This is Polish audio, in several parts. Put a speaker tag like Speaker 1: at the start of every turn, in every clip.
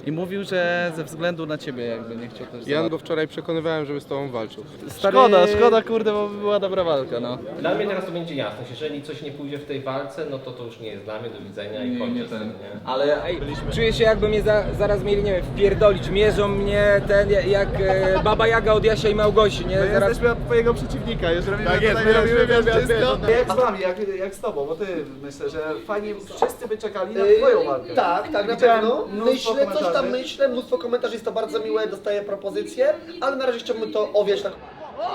Speaker 1: i mówił, że ze względu na ciebie jakby nie chciał też.
Speaker 2: Ja go wczoraj przekonywałem, żeby z tobą walczył.
Speaker 1: Szkoda, kurde, bo była dobra walka, no.
Speaker 3: Dla mnie teraz to będzie jasność, jeżeli coś nie pójdzie w tej walce, no to już nie jest dla mnie, do widzenia i kończę z tym, nie?
Speaker 4: Ale czuję się, jakby mnie zaraz mieli, nie wiem, wpierdolić. Mierzą mnie jak Baba Jaga od Jasia i Małgosi, nie? Zaraz...
Speaker 1: Jesteśmy twojego przeciwnika, już robimy
Speaker 5: Tak jest,
Speaker 1: tutaj,
Speaker 5: robimy
Speaker 1: wszystko.
Speaker 5: wiesz.
Speaker 1: Jak z nami, jak z tobą, bo ty myślę, że fajnie wszyscy by czekali na twoją walkę.
Speaker 5: Tak, na
Speaker 1: Widziałem
Speaker 5: pewno.
Speaker 1: mnóstwo
Speaker 5: Myślę, coś tam
Speaker 1: komentarzy.
Speaker 5: myślę, mnóstwo komentarzy, jest to bardzo miłe, dostaję propozycje, ale na razie chciałbym to owiać tak.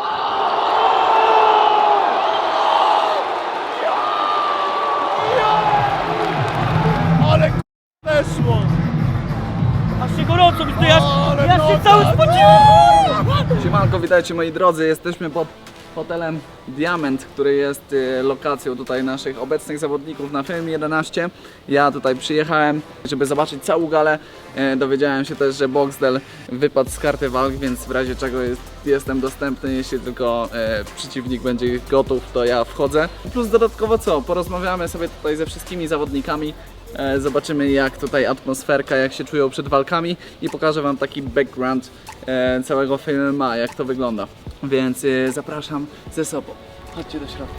Speaker 1: Siemanko, witajcie moi drodzy, jesteśmy pod hotelem Diament, który jest lokacją tutaj naszych obecnych zawodników na Fame 11. Ja tutaj przyjechałem, żeby zobaczyć całą galę. Dowiedziałem się też, że Boxdel wypadł z karty walk, więc w razie czego jestem dostępny, jeśli tylko przeciwnik będzie gotów, to ja wchodzę. Plus dodatkowo co, porozmawiamy sobie tutaj ze wszystkimi zawodnikami. Zobaczymy jak tutaj atmosferka, jak się czują przed walkami i pokażę wam taki background całego filmu, jak to wygląda. Więc zapraszam ze sobą. Chodźcie do środka.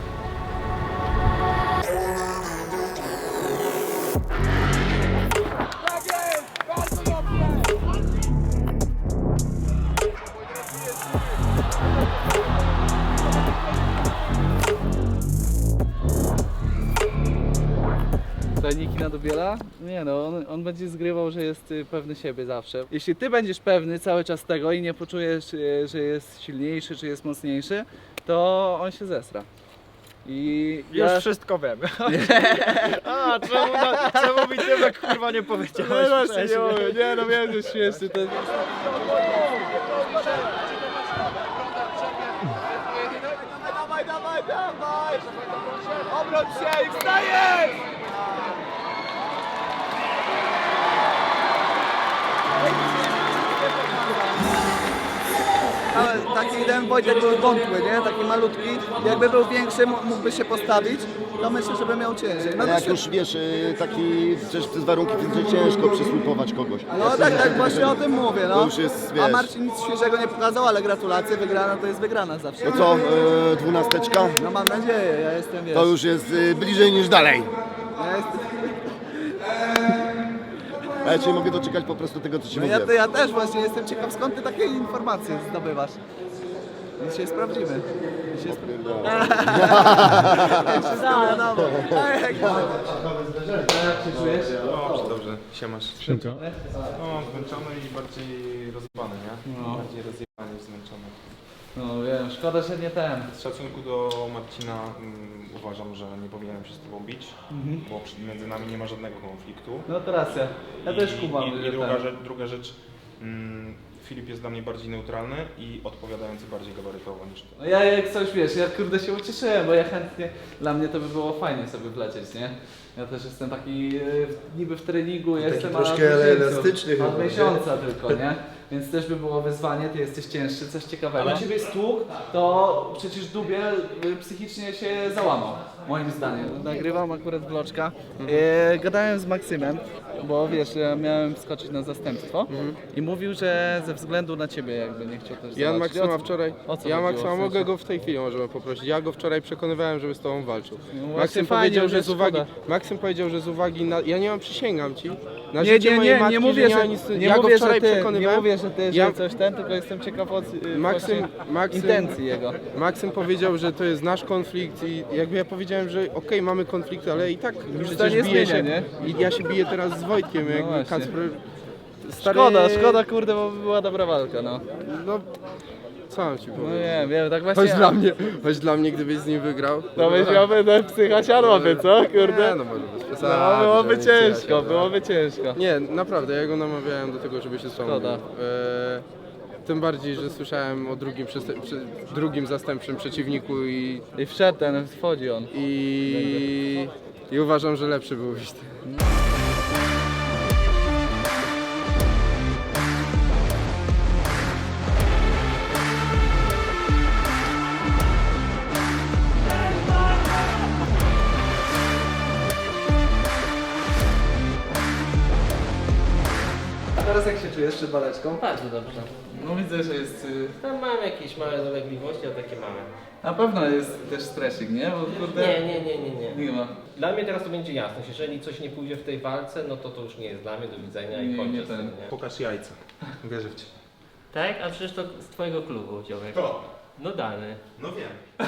Speaker 1: Niki na Dubiela? Nie no, on będzie zgrywał, że jest pewny siebie zawsze. Jeśli ty będziesz pewny cały czas tego i nie poczujesz, że jest silniejszy, czy jest mocniejszy, to on się zesra. I
Speaker 6: Już wszystko wiem. A, czemu mi Tymek kurwa nie powiedziałeś wcześniej?
Speaker 1: nie no wiem, że śmieszny ten... Dawaj! Obróć się i wstajesz! Taki jeden Wojtek był wątły, nie? Taki malutki. Jakby był większy, mógłby się postawić, to myślę, żeby miał ciężej. No,
Speaker 7: Ale jak już wiesz, taki przecież przez warunki fizyczne ciężko przysłupować kogoś.
Speaker 1: no tak właśnie o tym mówię, no.
Speaker 7: To już jest,
Speaker 1: A
Speaker 7: wiesz.
Speaker 1: Marcin nic świeżego nie pokazał, ale gratulacje, wygrana to jest wygrana zawsze.
Speaker 7: No co, 12?
Speaker 1: No mam nadzieję, ja jestem, wiesz.
Speaker 7: To już jest bliżej niż dalej.
Speaker 1: Ja jestem...
Speaker 7: A ja cię mogę doczekać po prostu tego, co ci
Speaker 1: No
Speaker 7: mówię.
Speaker 1: ja też właśnie jestem ciekaw, skąd ty takie informacje zdobywasz. Dzisiaj sprawdzimy. Dzisiaj sprawdzimy. Jak się czujesz?
Speaker 2: Dobrze, siemasz. Szybko. No, zmęczony i bardziej rozjebany, nie?
Speaker 1: No.
Speaker 2: Bardziej rozjebany niż zmęczony.
Speaker 1: No wiem, szkoda, że nie ten.
Speaker 2: Z szacunku do Marcina uważam, że nie powinienem się z tobą bić, bo między nami nie ma żadnego konfliktu.
Speaker 1: No to racja. Ja też kumam,
Speaker 2: I
Speaker 1: że
Speaker 2: druga rzecz, Filip jest dla mnie bardziej neutralny i odpowiadający bardziej gabarytowo niż ty.
Speaker 1: No ja jak coś wiesz, ja kurde się ucieszyłem, bo ja chętnie, dla mnie to by było fajnie sobie wlecieć, nie? Ja też jestem taki niby w treningu, jestem
Speaker 5: troszkę elastyczny
Speaker 1: od
Speaker 5: chyba, nie?
Speaker 1: miesiąca tylko, nie? Więc też by było wyzwanie, ty jesteś cięższy, coś ciekawego. Ale ciebie stłuk, to przecież Dubiel psychicznie się załamał, moim zdaniem. Nagrywam akurat vloczka. Gadałem z Maksymem, bo wiesz, ja miałem skoczyć na zastępstwo i mówił, że ze względu na ciebie jakby nie chciał też
Speaker 2: Ja
Speaker 1: zobaczyć.
Speaker 2: Maksyma wczoraj,
Speaker 1: o co
Speaker 2: ja
Speaker 1: chodziło,
Speaker 2: Maksyma
Speaker 1: w sensie?
Speaker 2: mogę go w tej chwili możemy poprosić. Ja go wczoraj przekonywałem, żeby z tobą walczył.
Speaker 1: No właśnie
Speaker 2: Maksym
Speaker 1: fajnie,
Speaker 2: powiedział,
Speaker 1: już
Speaker 2: że
Speaker 1: jest
Speaker 2: z uwagi,
Speaker 1: szkoda.
Speaker 2: Maksym powiedział, że z uwagi na, ja nie mam, przysięgam ci, na
Speaker 1: Nie,
Speaker 2: życie
Speaker 1: nie,
Speaker 2: mojej
Speaker 1: nie,
Speaker 2: matki,
Speaker 1: nie mówię,
Speaker 2: że
Speaker 1: że,
Speaker 2: nic,
Speaker 1: nie
Speaker 2: ja go
Speaker 1: mówię, że
Speaker 2: wczoraj
Speaker 1: ty, nie
Speaker 2: przekonywałem.
Speaker 1: mówię, że ty,
Speaker 2: Ja-
Speaker 1: że coś ten, tylko jestem ciekaw od
Speaker 2: Maksym
Speaker 1: intencji jego.
Speaker 2: Maksym powiedział, że to jest nasz konflikt i jakby ja powiedziałem, że okej, mamy konflikt, ale i tak
Speaker 1: to
Speaker 2: przecież
Speaker 1: nie
Speaker 2: biję
Speaker 1: zmienia,
Speaker 2: się
Speaker 1: nie?
Speaker 2: i ja się biję teraz z Wojtkiem, jakby
Speaker 1: właśnie.
Speaker 2: Kacper... Stary,
Speaker 1: Szkoda kurde, bo była dobra walka, no.
Speaker 2: No, co mam ci
Speaker 1: No
Speaker 2: powiedzieć?
Speaker 1: wiem, tak właśnie...
Speaker 2: Chodź dla mnie, gdybyś z nim wygrał.
Speaker 1: To byś miałby ten psycha siadłoby, co, kurde?
Speaker 2: Nie, no może bez przesady.
Speaker 1: No, byłoby
Speaker 2: że nic
Speaker 1: ciężko,
Speaker 2: nie
Speaker 1: byłoby ciężko.
Speaker 2: Nie, naprawdę, ja go namawiałem do tego, żeby się z tobą
Speaker 1: Szkoda.
Speaker 2: bił. Tym bardziej, że słyszałem o drugim zastępczym przeciwniku
Speaker 1: I wszedł ten, wchodzi on.
Speaker 2: i uważam, że lepszy byłbyś ty.
Speaker 1: Teraz teraz jak się czujesz przed waleczką?
Speaker 3: Bardzo dobrze.
Speaker 1: No widzę, że jest...
Speaker 3: Tam mam jakieś małe dolegliwości, a takie małe.
Speaker 1: Na pewno jest też stresik, nie? Bo kurde...
Speaker 3: Nie.
Speaker 1: Nie ma.
Speaker 3: Dla mnie teraz to będzie jasność. Jeżeli coś nie pójdzie w tej walce, no to już nie jest dla mnie, do widzenia i kończę z tym, nie?
Speaker 2: Pokaż jajca. Wierzę w cię.
Speaker 3: Tak? A przecież to z twojego klubu, Dziołek. No dany.
Speaker 2: No wiem.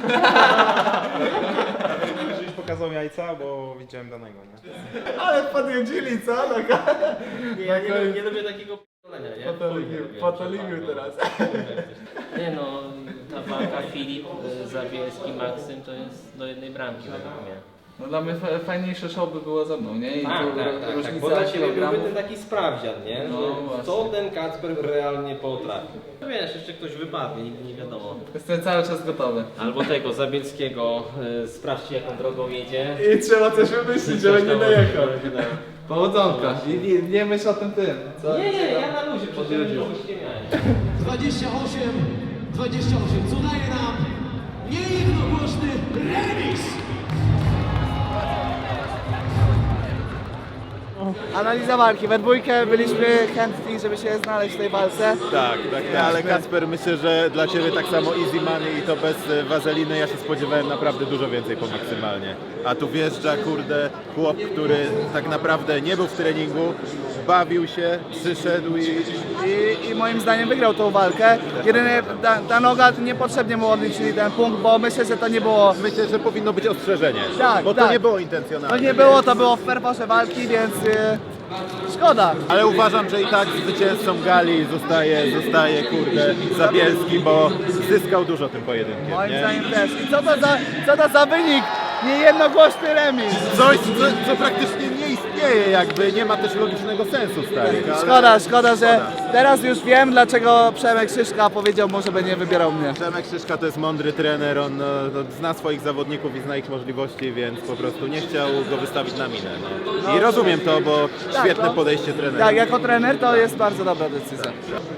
Speaker 2: Żebyś pokazał jajca, bo widziałem danego, nie?
Speaker 1: Ale podjeździli, co?
Speaker 3: Nie, ja nie lubię takiego p***lenia, nie?
Speaker 1: Potolimił teraz.
Speaker 3: Nie no, ta walka Filip, Zabielski, Maksym to jest do jednej bramki według mnie.
Speaker 1: No dla mnie fajniejsze show by było ze mną, nie? I tu różnica
Speaker 3: Bo dla Ciebie
Speaker 1: kilogramów.
Speaker 3: byłby ten taki sprawdzian, nie?
Speaker 1: No,
Speaker 3: Że
Speaker 1: właśnie.
Speaker 3: co ten Kacper realnie potrafi. No wiesz, jeszcze ktoś wypadnie, nigdy nie wiadomo.
Speaker 1: Jestem cały czas gotowy.
Speaker 3: Albo tego Zabielskiego, sprawdźcie jaką drogą jedzie.
Speaker 1: I trzeba coś wymyślić, żeby nie dojechał.
Speaker 3: Nie,
Speaker 1: Powodzonka. I nie myśl o tym tym. Co?
Speaker 3: nie, ja na luzie, przecież nie miałem.
Speaker 8: 28, co daje nam niejednogłośny remis.
Speaker 1: Analiza walki. We dwójkę byliśmy chętni, żeby się znaleźć w tej walce.
Speaker 7: Tak, ale Kacper, myślę, że dla Ciebie tak samo easy money i to bez wazeliny. Ja się spodziewałem naprawdę dużo więcej po maksymalnie. A tu wjeżdża, kurde, chłop, który tak naprawdę nie był w treningu, bawił się, przyszedł
Speaker 1: I moim zdaniem wygrał tą walkę. Jedynie ta noga niepotrzebnie mu odliczyli ten punkt, bo myślę, że to nie było...
Speaker 7: Myślę, że powinno być ostrzeżenie,
Speaker 1: Tak,
Speaker 7: bo
Speaker 1: tak.
Speaker 7: to nie było
Speaker 1: To
Speaker 7: intencjonalne.
Speaker 1: nie było, to było w ferworze walki, więc szkoda.
Speaker 7: Ale uważam, że i tak zwycięzcą gali zostaje kurde, Zabielski, bo zyskał dużo tym pojedynkiem,
Speaker 1: Moim
Speaker 7: nie?
Speaker 1: zdaniem też. I co to za wynik? Niejednogłośny remis.
Speaker 7: Coś, co praktycznie nie istnieje jakby, nie ma też logicznego sensu, stary.
Speaker 1: Szkoda, że teraz już wiem, dlaczego Przemek Szyszka powiedział mu, żeby nie wybierał mnie.
Speaker 7: Przemek Szyszka to jest mądry trener, on zna swoich zawodników i zna ich możliwości, więc po prostu nie chciał go wystawić na minę. Nie? I rozumiem to, bo świetne podejście trenera.
Speaker 1: Tak, jako trener to jest bardzo dobra decyzja.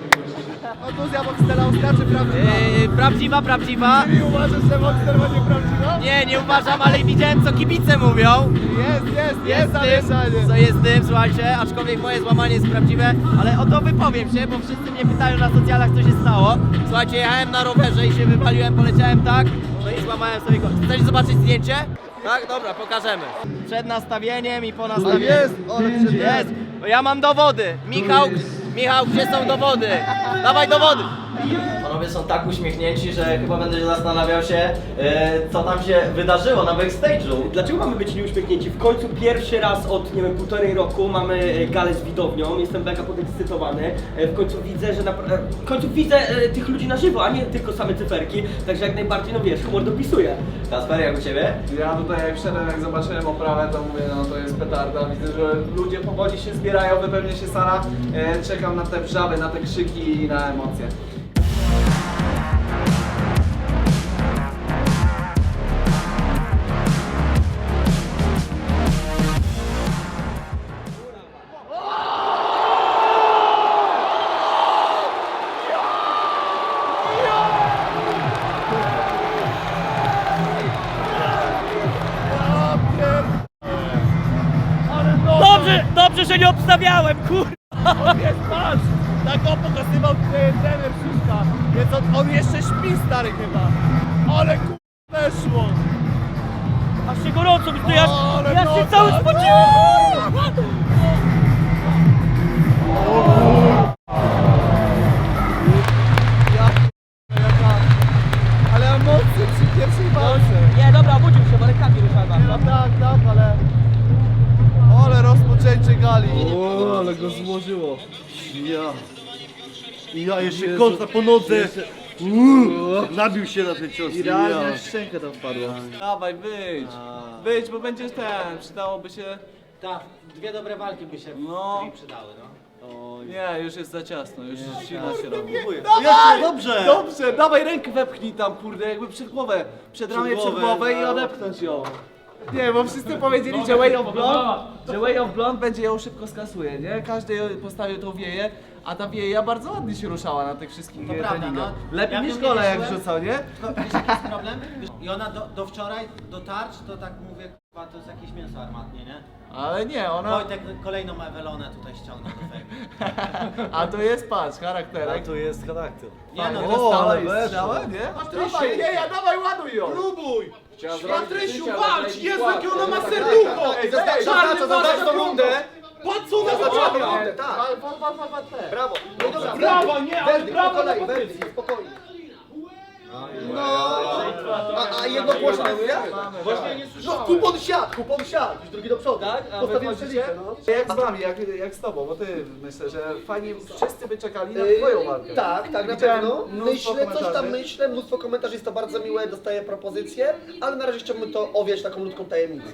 Speaker 1: Kontuzja Boxtela Oskar, czy prawdziwa?
Speaker 9: Prawdziwa.
Speaker 1: I uważasz, że Boxtel ma nieprawdziwa?
Speaker 9: Nie uważam, ale widziałem co kibice mówią.
Speaker 1: Jest zamieszanie.
Speaker 9: Co jest tym, słuchajcie, aczkolwiek moje złamanie jest prawdziwe, ale o to wypowiem się, bo wszyscy mnie pytają na socjalach, co się stało. Słuchajcie, jechałem na rowerze i się wywaliłem, poleciałem tak, no i złamałem sobie kość. Chcecie zobaczyć zdjęcie? Tak, dobra, pokażemy. Przed nastawieniem i po nastawieniu. Jest, bo ja mam dowody. Michał, gdzie są dowody? Dawaj dowody. Panowie są tak uśmiechnięci, że chyba będę się zastanawiał się, co tam się wydarzyło na backstage'u.
Speaker 5: Dlaczego mamy być nieuśmiechnięci? W końcu pierwszy raz od, nie wiem, 1,5 roku mamy galę z widownią, jestem mega podekscytowany. W końcu widzę, że w końcu widzę tych ludzi na żywo, a nie tylko same cyferki, także jak najbardziej, no wiesz, humor dopisuje.
Speaker 9: Kasper, jak u Ciebie?
Speaker 1: Ja tutaj jak wszedłem, jak zobaczyłem oprawę, to mówię, no to jest petarda. Widzę, że ludzie powoli się zbierają, wypełnia się sala. Czekam na te wrzawy, na te krzyki i na emocje.
Speaker 9: Dobrze, że nie obstawiałem, kur... On jest patrz! Tak go pokazywał trener Szyszka, więc on jeszcze śpi, stary chyba. Ale kur... weszło! Aż się gorąco mi to ja się cały spociłem!
Speaker 1: Ale emocje przy pierwszej walce.
Speaker 9: Nie, dobra, obudził się, bo rękami ruszałem.
Speaker 1: No tak, ale... Ale rozpoczęcie gali. O, ale go złożyło.
Speaker 6: Ja jeszcze kąta po nodze. Nabił się na ten cios.
Speaker 1: Idealnie w szczękę to wpadło. Dawaj, wyjdź, bo będziesz ten, przydałoby się...
Speaker 9: Tak, dwie dobre walki by się przydały, no.
Speaker 1: Nie, już jest za ciasno, już ścina się robi.
Speaker 6: Dobrze!
Speaker 1: Dobrze, dawaj rękę wepchnij tam, kurde, jakby przed głowę, przed ramię, przed głowę i odepchnąć ją. Nie, bo wszyscy powiedzieli, że Way of Blonde będzie ją szybko skasuje, nie? Każdy postawił tą wieję, a ta wieja bardzo ładnie się ruszała na tych wszystkich treningach. Lepiej niż gole jak wrzucał, nie?
Speaker 9: Wiesz jaki jest problem? I ona do wczoraj, do tarcz, to tak mówię, To jest jakieś mięso armatnie, nie?
Speaker 1: Ale nie, ona...
Speaker 9: Wojtek kolejną Ewelonę tutaj ściągnął do fejmu.
Speaker 1: A to jest, patrz, charakterek.
Speaker 6: tu jest charakter.
Speaker 9: Nie no,
Speaker 1: Dostała i strzała, nie? Dawaj, nie, dawaj, ładuj ją!
Speaker 6: Próbuj!
Speaker 8: Patrysiu, walcz! Jezu, jakie ona ma serducho! Czarny
Speaker 6: zaznacz tą rundę!
Speaker 8: Patrz, co ona wyciąga!
Speaker 6: Tak. Brawo! No dobra,
Speaker 8: Brawa, nie, ale brawa na
Speaker 6: wersji, spokojnie. A jedno głośno mówię? Właśnie nie słyszałem. No kupon siadł, już drugi do przodu. Tak? Postawiłem przelicę, no.
Speaker 1: Jak z nami, jak z tobą, bo ty myślę, że fajnie wszyscy by czekali na twoją walkę.
Speaker 10: Tak, na
Speaker 1: Widziałem
Speaker 10: pewno.
Speaker 1: mnóstwo
Speaker 10: Myślę, coś tam
Speaker 1: komentarzy.
Speaker 10: myślę, mnóstwo komentarzy, jest to bardzo miłe, dostaję propozycje, ale na razie chciałbym to owiać taką ludzką tajemnicą.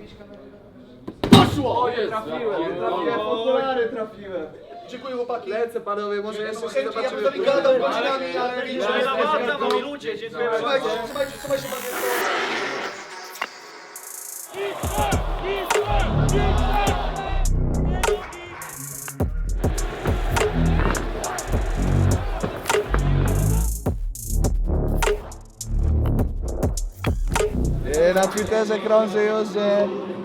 Speaker 1: O, nie trafiłem, okulary trafiłem.
Speaker 10: Dziękuję chłopaki.
Speaker 1: Lecę panowie, może jeszcze się
Speaker 10: Ja bym
Speaker 1: zobaczymy.
Speaker 10: z wami gadał godzinami, ale wiecie,
Speaker 5: moi ludzie, dziękuję
Speaker 10: trzymajcie się bardzo.
Speaker 1: Na Twitterze krąży już, że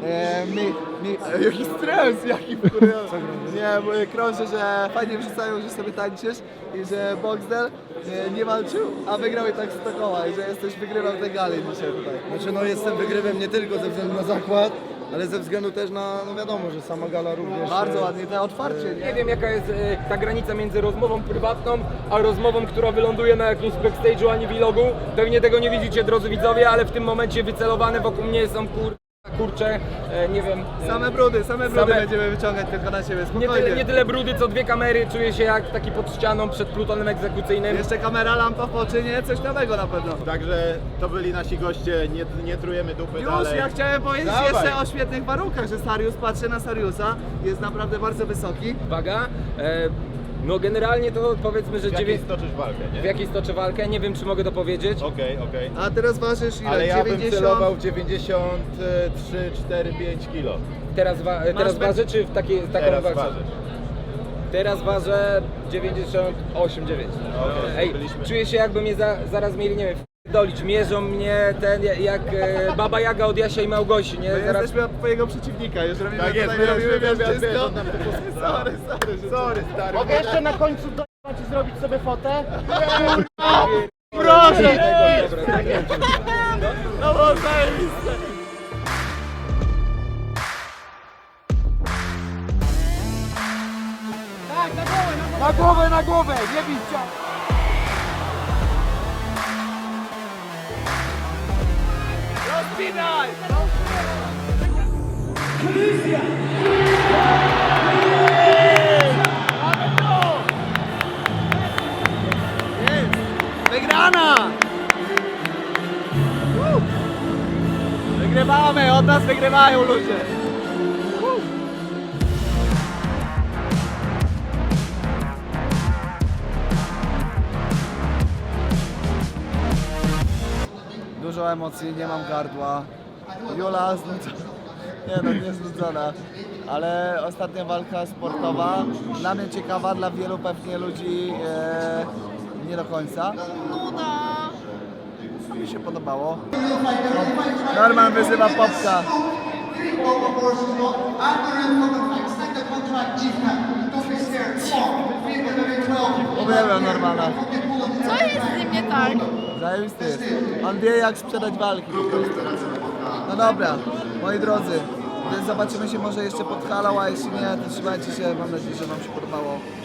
Speaker 1: jaki stres, jaki wkurzający. Nie, bo krąży, że fajnie wrzucają, że sobie tańczysz i że Boxdel nie walczył, a wygrał i tak 100 koła i że wygrywał te gali dzisiaj tutaj.
Speaker 6: Znaczy no jestem wygrywem nie tylko ze względu na zakład, ale ze względu też na, no wiadomo, że sama gala również...
Speaker 1: Bardzo ładnie, to otwarcie,
Speaker 4: Nie wiem jaka jest ta granica między rozmową prywatną, a rozmową, która wyląduje na jakimś backstage'u ani vlogu. Pewnie tego nie widzicie, drodzy widzowie, ale w tym momencie wycelowane wokół mnie są kurcze, nie wiem.
Speaker 1: Same brudy będziemy wyciągać tylko na siebie,
Speaker 4: Nie tyle brudy, co dwie kamery, czuję się jak taki pod ścianą przed plutonem egzekucyjnym.
Speaker 1: Jeszcze kamera, lampa w oczy, nie? Coś nowego na pewno.
Speaker 7: Także to byli nasi goście, nie trujemy dupy
Speaker 1: Już,
Speaker 7: dalej.
Speaker 1: ja chciałem powiedzieć
Speaker 7: Dawaj.
Speaker 1: jeszcze o świetnych warunkach, że Sarius, patrzę na Sariusa, jest naprawdę bardzo wysoki.
Speaker 4: Uwaga, no generalnie to powiedzmy, że
Speaker 7: W jakiej stoczysz walkę, nie?
Speaker 4: w jakiej stoczę walkę, nie wiem czy mogę to powiedzieć.
Speaker 7: Okej.
Speaker 1: A teraz ważysz ile?
Speaker 7: Ale ja bym
Speaker 1: 90?
Speaker 7: celował w 93, 4, 5 kilo.
Speaker 4: Teraz ważę czy w taką
Speaker 7: Teraz
Speaker 4: wagę?
Speaker 7: ważysz.
Speaker 4: Teraz ważę 98,9. Ej,
Speaker 7: byliśmy.
Speaker 4: czuję się jakby mnie zaraz mieli, nie wiem, dolić. Mierzą mnie jak Baba Jaga od Jasia i Małgosi, nie?
Speaker 1: My
Speaker 4: Zaraz...
Speaker 1: jesteśmy od twojego przeciwnika, już robimy
Speaker 7: Tak jest,
Speaker 1: tutaj,
Speaker 7: my robimy wywiad,
Speaker 1: wszystko.
Speaker 7: on nam to
Speaker 1: Sorry,
Speaker 7: stary.
Speaker 6: Mogę jeszcze na końcu dojechać i zrobić sobie fotę?
Speaker 1: Proszę!
Speaker 6: No bo zajebiste!
Speaker 1: Na głowę, nie bić! Rozpinaj! Wygrana! Wygrywamy, od nas wygrywają ludzie! Dużo emocji, nie mam gardła. Jula nie znudzona. Ale ostatnia walka sportowa, dla mnie ciekawa, dla wielu pewnie ludzi nie do końca. Mi się podobało. Norman wyzywa Popka. Uwielbiam Normana.
Speaker 11: Co jest z nim nie tak?
Speaker 1: Zajebisty jest. On wie jak sprzedać walki po prostu. No dobra, moi drodzy, więc zobaczymy się może jeszcze pod halą, a jeśli nie, to trzymajcie się, mam nadzieję, że wam się podobało.